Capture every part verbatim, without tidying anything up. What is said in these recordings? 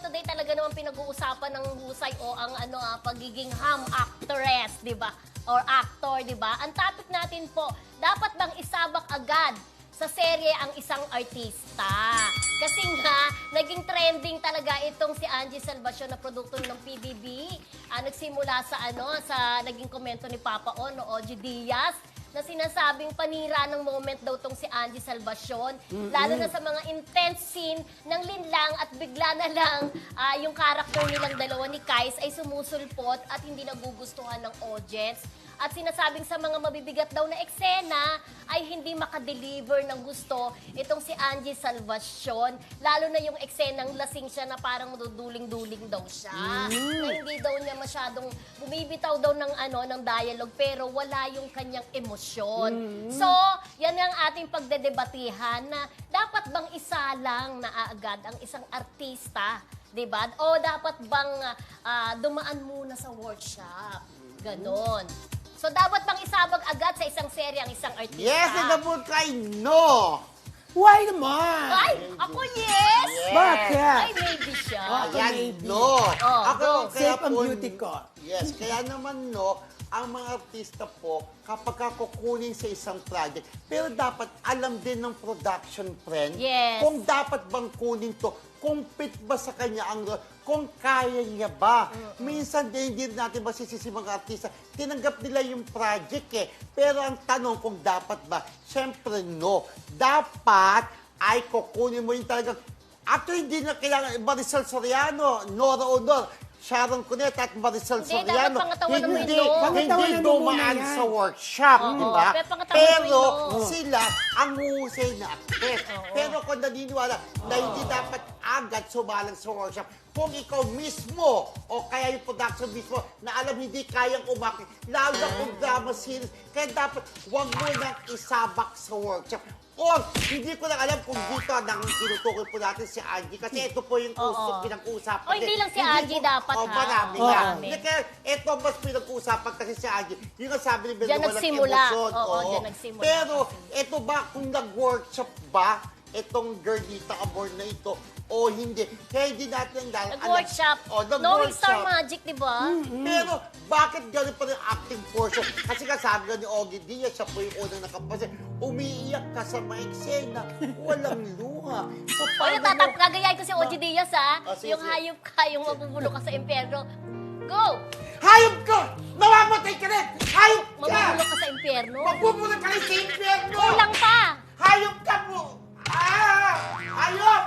today talaga naman pinag-uusapan ng husay o ang ano ah, pagiging ham actress, di ba? Or actor, di ba? Ang topic natin po, dapat bang isabak agad sa serye ang isang artista? Kasi nga, naging trending talaga itong si Angie Salvacion na produkto ng P B B. Ah, nagsimula sa ano, sa naging komento ni Papa On, no, Ogie Diaz, na sinasabing panira ng moment daw tong si Angie Salvacion. Mm-hmm. Lalo na sa mga intense scene ng linlang at bigla na lang uh, yung character nilang dalawa ni Kais ay sumusulpot at hindi nagugustuhan ng audience. At sinasabing sa mga mabibigat daw na eksena ay hindi makadeliver ng gusto itong si Angie Salvacion. Lalo na yung eksenang lasing siya na parang duduling-duling daw siya. Mm. Na hindi daw niya masyadong bumibitaw daw ng, ano, ng dialogue pero wala yung kanyang emosyon. Mm. So, yan ang ating pagdedebatihan na dapat bang isa lang na agad ang isang artista, diba? O dapat bang uh, dumaan muna sa workshop? Ganon. So, dapat bang isabag agad sa isang serye ang isang artista? Yes, and the book ay no! Why naman? Ay, ako yes! Yes. Bakit? Ay, maybe siya. Ako Yan, maybe. no! Oh, Ako, go. kaya Safe ang po- beauty ko. Yes, kaya naman no, ang mga artista po, kapag kukunin sa isang project, pero dapat alam din ng production friend Yes. kung dapat bang kunin to, kung fit ba sa kanya ang role, kung kaya niya ba. Mm-hmm. Minsan din hindi natin masisisi mga artista, tinanggap nila yung project eh. Pero ang tanong kung dapat ba, syempre no. Dapat ay kukunin mo yung talagang, actually hindi na kailangan, Marisol Soriano, Nora Honor, Sharon Cuneta at Marisol Hindi, Soriano, dapat pangatawanan mo hindi, yun, no? hindi Pangatawanan mo muna dumaan yan. sa workshop, Oo, di ba? pero pangatawanan mo Pero yun, no? sila ang husay na actress. Oo. Pero kung naniniwala na hindi dapat agad sumalang sa workshop, kung ikaw mismo o kaya yung production mismo na alam hindi kayang umakit, lalo na kung drama series, kaya dapat huwag mo nang isabak sa workshop. Or, hindi ko lang alam kung dito nang tinutukoy po natin si Angie. Kasi ito po yung Oo. usap, pinag-uusapan. O, hindi lang si Angie dapat, O, ha? marami Oo. nga. Marami. Hindi, kaya ito mas pinag-uusapan kasi si Angie. Yung ang sabi ni Bel, Diyan walang nagsimula. emosyon. Oo, diyan nagsimula. Pero, ito ba, kung nag-workshop ba, itong girlita Amor na ito, o hindi. Kaya hindi natin dahil Nag-workshop. O, Knowing Star nag-workshop. Magic, di ba? Pero, bakit gano'n pa rin acting portion? Kasi kasabi nga ni Ogie Diaz, siya po yung unang nakapansin, umiiyak ka sa mga eksena, walang luha. So, O, paano yung tatap, mo- gagayahin ko si Ogie Diaz, ha? Ah, sige, Yung sige. hayop ka, yung mabubulok ka sa impyerno. Go! Hayop ka! Mamamatay ka rin! Hayop ka! Mabubulok ka sa impyerno? Magbubulok ka rin sa impyerno! Kulang pa! Hayop ka po! Ah! Hayop!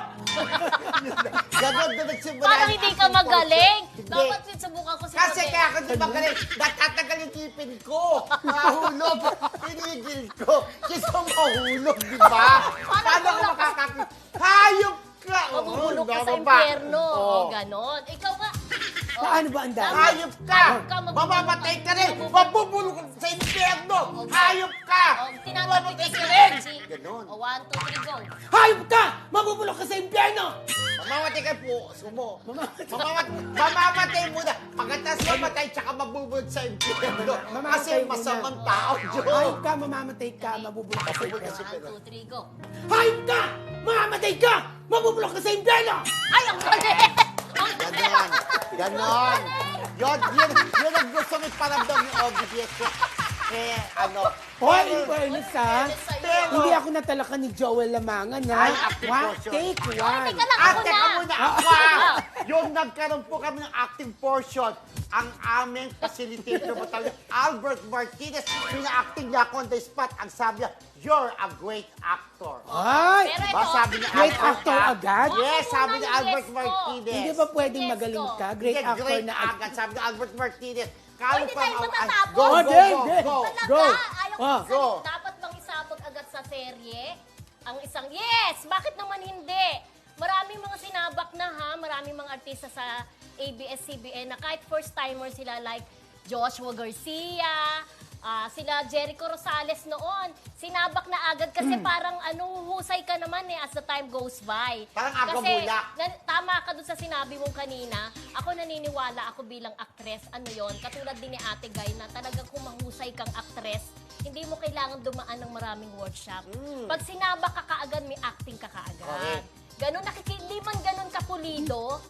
Ganon na nagsimula. Parang yung hindi ka acting magaling. portion. Hindi. Dapat subukan ko si Kasi Mabel. kaya ako di magaling, natatagal yung tipin ko. Mahulog. Pinigil ko. Kasi mahulog, di ba? Paano ako makakakit? Hayop ka! Mabubulok ka Oo, sa baba pa. impyerno. Oo. O, ganon. Ikaw nga. O, Paano ba ang dami? Hayop ka! Hayop ka, magbubulok Mamamatay ka. ka rin! Mabubulok ka sa impyerno! Hayop ka! O, tinatanong Mamamatay kita ka si rin! Angie. Ganon. O, one, two, three, go. Hayop ka! Mabubulok ka sa impyerno! Mamamatay ka po, sumo. Mamamatay. Mamamatay, mamamatay muna. Pagkatapos mamatay, tsaka mabubulog sa impyerno. Mamamatay Kasi muna. masamang tao, Diyos. Hayop ka, mamamatay ka, mabubulok ka sa Mabubulok ka impyerno. sa One, two, three, go. Hayop ka! Mamamatay ka! Mabubulok ka sa impyerno! Ay, ang galing! Ang galing! Ganon. Ganon. Yun, yun, yun ang gusto may paramdam ni Ogie Diaz. Eh, ano. Hoy, pero- in fairness ha, Pero- hindi ako natalakan ni Joel Lamangan ha. Ay, acting One, portion. take Ay, one. teka lang, Ah, ako teka na. muna, ako ah. Yung nagkaroon po kami ng acting portion, ang aming facilitator mo talaga, Albert Martinez, pina-acting niya ako on the spot. Ang sabi niya, you're a great actor. Ay! Pero Ba, ito, sabi ni Great Albert, actor ah. agad? Yes, Ako sabi muna ni yung Albert yes ko. Martinez. Hindi ba pwedeng Yes magaling ko. ka? Great Hindi, actor great na agad. Sabi ni Albert Martinez. Oh, Kalo hindi pa tayo ang- matatapos. Go, Oh, go, Dave, go, Dave. go. Talaga, Go. ayaw ko Ah. sabi, Go. dapat bang isabog agad sa serye? Ang isang, yes! Bakit naman hindi? Maraming mga sinabak na ha, maraming mga artista sa A B S C B N na kahit first-timer sila like Joshua Garcia, ah, sila Jericho Rosales noon, sinabak na agad kasi parang anong husay ka naman eh as the time goes by. Parang Kasi agabula. na- tama ka dun sa sinabi mong kanina, ako naniniwala ako bilang actress, ano yon katulad din ni Ate Guy na talagang kung mahusay kang actress, hindi mo kailangan dumaan ng maraming workshop. Pag sinabak ka kaagad, may acting ka kaagad. Correct. Ganon, nakiki- hindi man ganon kapulido,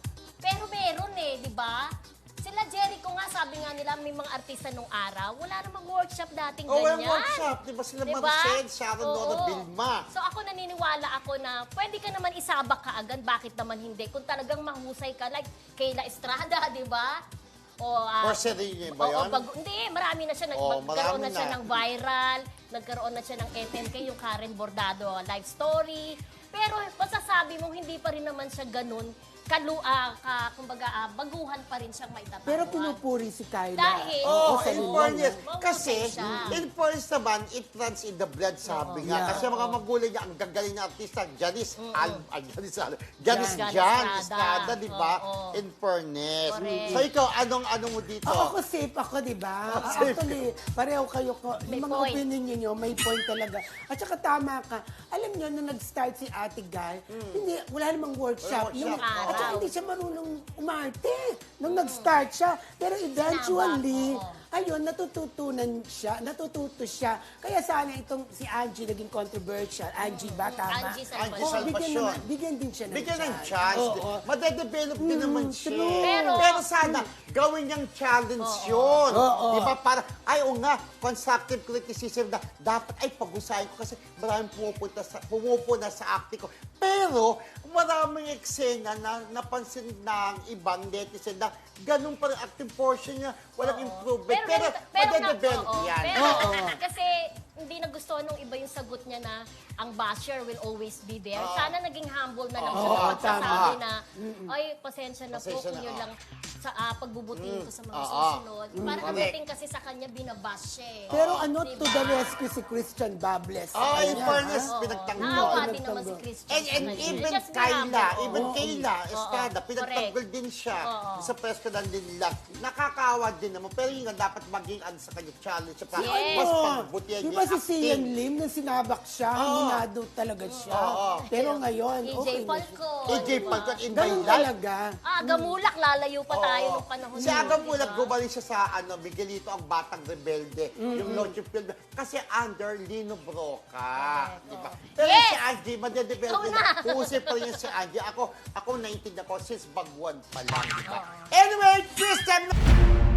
Pero meron eh, di ba? Sila Jericho nga, sabi nga nila, may mga artista nung araw, wala namang workshop dating Oh, ganyan. walang workshop. Di ba sila Diba? Maricel, Sharon Oo. Dora Vilma? So ako naniniwala ako na pwede ka naman isabak ka agad, bakit naman hindi? Kung talagang mahusay ka, like Kayla Estrada, di ba? O, ah, Or Serene ba oo, yun? pag- hindi, marami na siya. Nag, Oo, nagkaroon marami na siya na. ng viral, nagkaroon na siya ng M M K, yung Karen Bordado live story. Pero masasabi mo, hindi pa rin naman siya ganun. Kalu, ah, ka, kumbaga, ah, baguhan pa rin siyang maitatanguan. Pero pinupuri si Kyla. Dahil- Oh, sa in nila, fairness. no? Kasi, Mahusay siya. in fairness naman, it runs in the blood, sabi nga. Yeah. Kasi mga magulang niya, ang gagaling na artista, Janice Al... Ay, Janice Al... Janice Jan Jan Estrada. Estrada, di ba? Oo. In fairness. Correct. So, ikaw, anong ano mo dito? Ako, ako safe ako, di ba? Oh, safe. Actually, pareho kayo ko. May Yung mga point. opinion niyo, may point talaga. At saka tama ka. Alam niyo, nung nag-start si Ate Guy, hindi, wala namang workshop. Walang Yung, workshop. at saka Araw. hindi siya marunong umarte. Nung nag-start siya. Pero eventually, Tama, oo. ayun, natututunan siya, natututo siya. Kaya sana itong si Angie naging controversial. Angie ba, tama? Angie Angie Oo, Salvacion. bigyan, Salvacion. naman, bigyan din siya ng Bigyan ng chance. chance. Oo. Madedevelop din naman siya. true. Pero- Pero sana, gawin niyang challenge yun. Oo. Di ba? Para, ay, o nga, constructive criticism na dapat, ay, pag-usahin ko kasi maraming pumupunta sa, pumupuna sa acting ko. Pero, maraming eksena na napansin ng ibang netizen na ganun pa rin acting portion niya, walang improvement. Pero, ganito- pero na- madedevelop oo, yan. Pero, Oo. kasi hindi nagustuhan nung iba yung sagot niya na ang basher will always be there. Oo. Sana naging humble na lang Oo, siya sa pagsasabi tama. na, ay, pasensya na po Pasensya kung na, yun oo. lang sa ah, pagbubutihin ko sa mga Oo. susunod. Parang ang Correct. dating kasi sa kanya, binabash siya eh. Pero ano, Diba? to the rescue si Christian Bables. Oh, in Kanya, fairness, ha? Oo. pinagtanggol. Naawa din Pinagtanggol. naman si Christian. And, and sa kanya. even Just Kayla, humble, even oo. Kayla Estrada, Oo, pinagtanggol correct. din siya Oo. sa press ko lang din nila. Nakakawa din naman, pero yun nga, dapat maging ano sa kanya challenge. Sa para Yes. mas Oo. pagbutihan Di niya ba yung si Sian acting. Lim, nang sinabak siya, Oo. minado talaga siya. Oo. Pero ngayon, E J okay na siya. Falcon. A J Falcon in my Ganun life. talaga. Ah, gamulak, lalayo pa tayo Oo. nung panahon Si na yun, Aga Mulak, diba? gumaling siya sa ano, Miguelito ang Batang Rebelde, yung Noche film. Kasi under Lino Broca. Correct, Diba? oo. Pero Yes! si Angie, madedevelop Ikaw din. na. Puusay pa rin yung si Angie. Ako, ako naiintindihan ko since bagwan pa lang. Diba? Anyway, Christian!